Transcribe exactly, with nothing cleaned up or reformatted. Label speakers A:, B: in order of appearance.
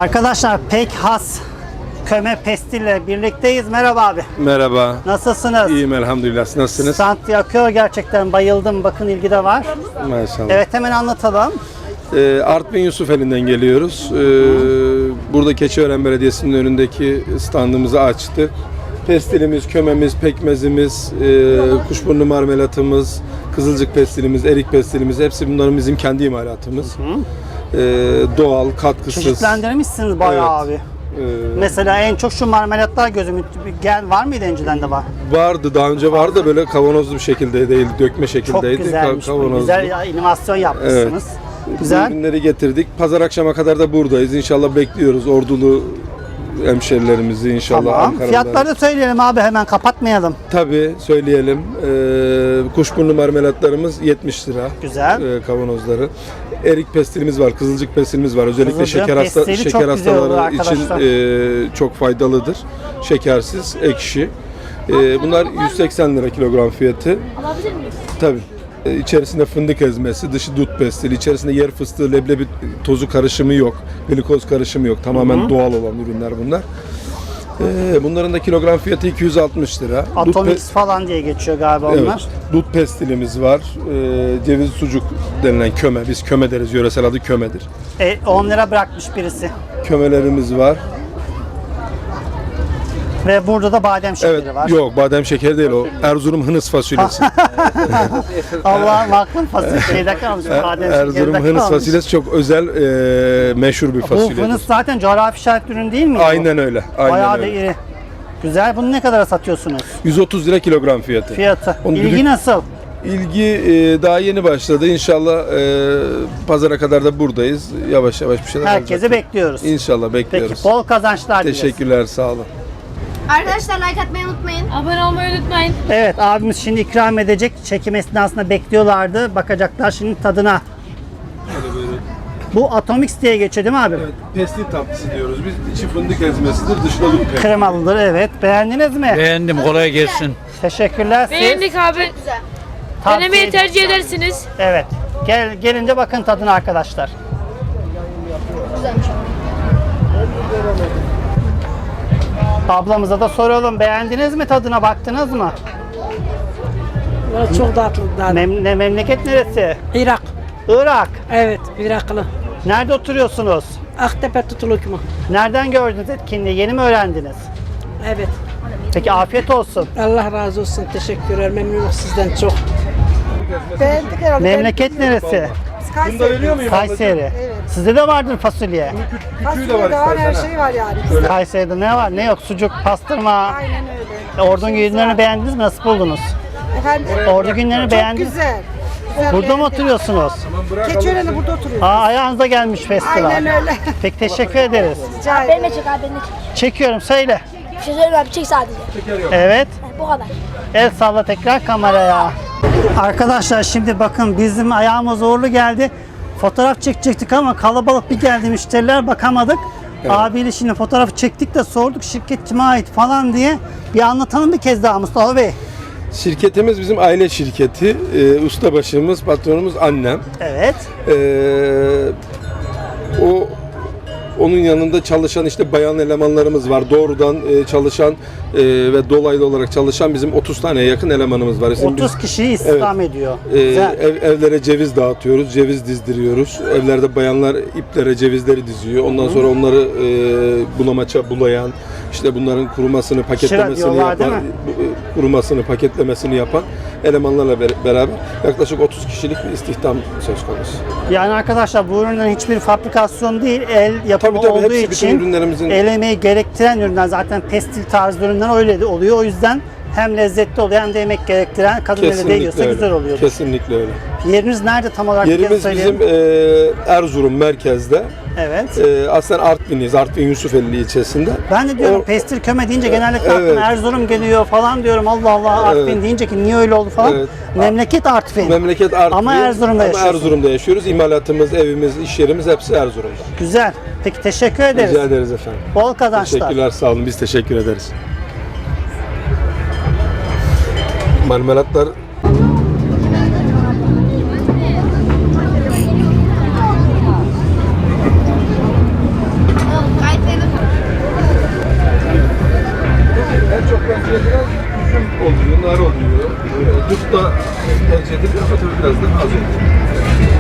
A: Arkadaşlar pek has köme pestille birlikteyiz. Merhaba abi.
B: Merhaba.
A: Nasılsınız?
B: İyiyim elhamdülillah. Siz nasılsınız?
A: Stand yakıyor gerçekten, bayıldım. Bakın ilgi de var.
B: Maşallah.
A: Evet, hemen anlatalım.
B: Ee, Artvin Yusufeli'nden geliyoruz. Ee, burada Keçiören Belediyesi'nin önündeki standımızı açtık. Pestilimiz, kömemiz, pekmezimiz, e, kuşburnu marmelatımız, kızılcık pestilimiz, erik pestilimiz hepsi bunların bizim kendi imalatımız. Ee, doğal, katkısız.
A: Çeşitlendirmişsiniz bayağı
B: Evet.
A: abi.
B: Ee,
A: Mesela en çok şu marmelatlar gözümü gel var mıydı, önceden de var?
B: vardı, daha önce vardı da böyle kavanozlu bir şekilde değil, dökme
A: Çok
B: şekildeydi.
A: güzelmiş.
B: Ka-
A: Bu.
B: kavanozlu.
A: Güzel ya, inovasyon yapmışsınız. Güzel.
B: Ürünleri getirdik. Pazar akşama kadar da buradayız. İnşallah bekliyoruz Ordulu hemşerilerimizi inşallah.
A: Tamam.
B: Ankaralılar.
A: Fiyatları da söyleyelim abi, hemen kapatmayalım.
B: Tabii söyleyelim. Ee, kuşburnu marmelatlarımız yetmiş lira.
A: Güzel.
B: Ee, kavanozları. Erik pestilimiz var, kızılcık pestilimiz var. Özellikle
A: Kızılcık
B: şeker hasta
A: pestili
B: şeker
A: çok güzel olur
B: hastaları için
A: arkadaşlar.
B: e, çok faydalıdır. Şekersiz, ekşi. Ee, bunlar yüz seksen lira kilogram fiyatı.
C: Alabilir miyiz?
B: Tabii. Ee, İçerisinde fındık ezmesi, dışı dut pestili, içerisinde yer fıstığı, leblebi tozu karışımı yok, glikoz karışımı yok. Tamamen
A: Hı hı.
B: doğal olan ürünler bunlar. Ee, bunların da kilogram fiyatı iki yüz altmış lira. Dut
A: Atomix
B: pe-
A: falan diye geçiyor galiba
B: Evet,
A: onlar.
B: dut pestilimiz var. Ee, ceviz sucuk denilen köme, biz köme deriz, yöresel adı kömedir.
A: E, on lira bırakmış birisi.
B: Kömelerimiz var.
A: Ve burada da badem şekeri
B: Evet,
A: var.
B: yok badem şekeri değil o. Erzurum hınıs fasulyesi.
A: Allah'ım aklım fasulye şeyde kalmış. Badem
B: Erzurum
A: şekerde
B: hınıs
A: kalmış.
B: fasulyesi çok özel, e, meşhur bir
A: Bu
B: fasulyedir.
A: fınıs zaten coğrafi işaret ürün değil mi?
B: Aynen öyle. Aynen
A: Bayağı da
B: öyle.
A: iri. Güzel. Bunu ne kadara satıyorsunuz?
B: yüz otuz lira kilogram fiyatı.
A: Fiyatı.
B: Onu
A: İlgi
B: düdük-
A: nasıl?
B: İlgi e, daha yeni başladı. İnşallah e, pazara kadar da buradayız. Yavaş yavaş bir şeyler
A: Herkesi
B: olacak.
A: bekliyoruz.
B: İnşallah bekliyoruz.
A: Peki, bol kazançlar dileriz.
B: Teşekkürler, sağ olun.
C: Arkadaşlar like atmayı unutmayın. Abone olmayı unutmayın.
A: Evet, abimiz şimdi ikram edecek. Çekim esnasında bekliyorlardı. Bakacaklar şimdi tadına. Bu Atomix diye geçiyor değil mi abi?
B: Evet, pestil tatlısı diyoruz. Biz içi fındık ezmesidir, dışında dut pekmezi.
A: Kremalıdır, evet. Beğendiniz mi?
D: Beğendim, kolay gelsin.
A: Teşekkürler. Siz
C: Beğendik abi.
A: tavsiye
C: Denemeyi
A: edin.
C: tercih edersiniz.
A: Evet. Gel, gelince bakın tadına arkadaşlar. Ablamıza da soralım. Beğendiniz mi, tadına baktınız mı?
E: Çok tatlı.
A: Mem ne, memleket neresi?
E: Irak.
A: Irak.
E: Evet, Iraklı.
A: Nerede oturuyorsunuz?
E: Aktepe tutuluk mu?
A: Nereden gördünüz etkinliği? Yeni mi öğrendiniz?
E: Evet.
A: Peki, afiyet olsun.
E: Allah razı olsun. Teşekkürler. Memnunum sizden çok. Beğendik herhalde.
A: Memleket neresi?
B: Bunu da veriyor muyum?
A: Kayseri. Sizde de vardır fasulye.
B: Küçüğü de var istersen.
E: her
B: ha.
E: şey var yani.
A: Kayseri'de ne var? Ne yok? Sucuk, pastırma.
E: Aynen öyle.
A: Ordun günlerini beğendiniz mi? Nasıl buldunuz?
E: Efendim?
A: Ordu günlerini beğendiniz mi?
E: Güzel. Güzel
A: Burada mı
E: beğendim.
A: oturuyorsunuz?
E: Keçiören'de burada oturuyoruz.
A: Aa, ayağınıza gelmiş festival.
E: Aynen öyle.
A: Peki, teşekkür ederiz.
E: Rica
C: Beni
E: ederim.
C: de çek abi, beni de çek.
A: Çekiyorum, söyle.
C: Bir şey söyleyeyim abi, çek sadece.
A: Evet.
C: Bu kadar.
A: El salla tekrar kameraya. Arkadaşlar şimdi bakın, bizim ayağımız uğurlu geldi. Fotoğraf çekecektik ama kalabalık bir geldi, müşteriler bakamadık. Abiyle şimdi fotoğrafı çektik de sorduk şirket kime ait falan diye. Bir anlatalım bir kez daha Mustafa Bey.
B: Şirketimiz bizim aile şirketi. Ee, ustabaşımız, patronumuz annem.
A: Evet.
B: Ee, o onun yanında çalışan işte bayan elemanlarımız var. Doğrudan e, çalışan e, ve dolaylı olarak çalışan bizim otuz taneye yakın elemanımız var. Şimdi
A: otuz
B: biz,
A: kişiyi istihdam ediyor.
B: e,
A: Güzel.
B: ev, evlere ceviz dağıtıyoruz, ceviz dizdiriyoruz. Evlerde bayanlar iplere cevizleri diziyor. Ondan sonra onları e, bulamaça bulayan, işte bunların kurumasını, paketlemesini
A: diyorlar,
B: yapan,
A: değil mi?
B: e, kurumasını, paketlemesini yapan elemanlarla ber- beraber yaklaşık otuz kişilik bir istihdam söz konusu.
A: Yani arkadaşlar, bu ürünlerin hiçbir fabrikasyon değil, el yapımı
B: Tabii, tabii,
A: olduğu
B: hepsi bütün
A: için
B: ürünlerimizin-
A: el emeği gerektiren ürünler. Zaten pestil tarzı ürünler öyle de oluyor. O yüzden hem lezzetli oluyor hem de emek gerektiren, kadın eli değiyorsa
B: öyle.
A: güzel oluyor.
B: Kesinlikle öyle.
A: Yeriniz nerede tam olarak? bir kez
B: Yerimiz
A: söyleyelim.
B: bizim e, Erzurum merkezde.
A: Evet.
B: E, aslen Artvinliyiz. Artvin Yusufeli ilçesinde.
A: Ben de diyorum
B: O-
A: pestil köme deyince genellikle
B: Evet.
A: aklıma Erzurum geliyor falan diyorum. Allah Allah, Artvin
B: Evet.
A: deyince ki niye öyle oldu falan.
B: Evet.
A: Memleket Artvin.
B: Memleket Artvin.
A: Ama Erzurum'da
B: Ama
A: yaşıyorsun.
B: Erzurum'da yaşıyoruz. İmalatımız, evimiz, iş yerimiz hepsi Erzurum'da.
A: Güzel. Peki, teşekkür ederiz.
B: Rica ederiz efendim.
A: Bol kazançlar.
B: Teşekkürler, sağ olun. Biz teşekkür ederiz. Marmelatlar oluyor. Dut da tercih edilir ama tabii biraz daha az oluyor.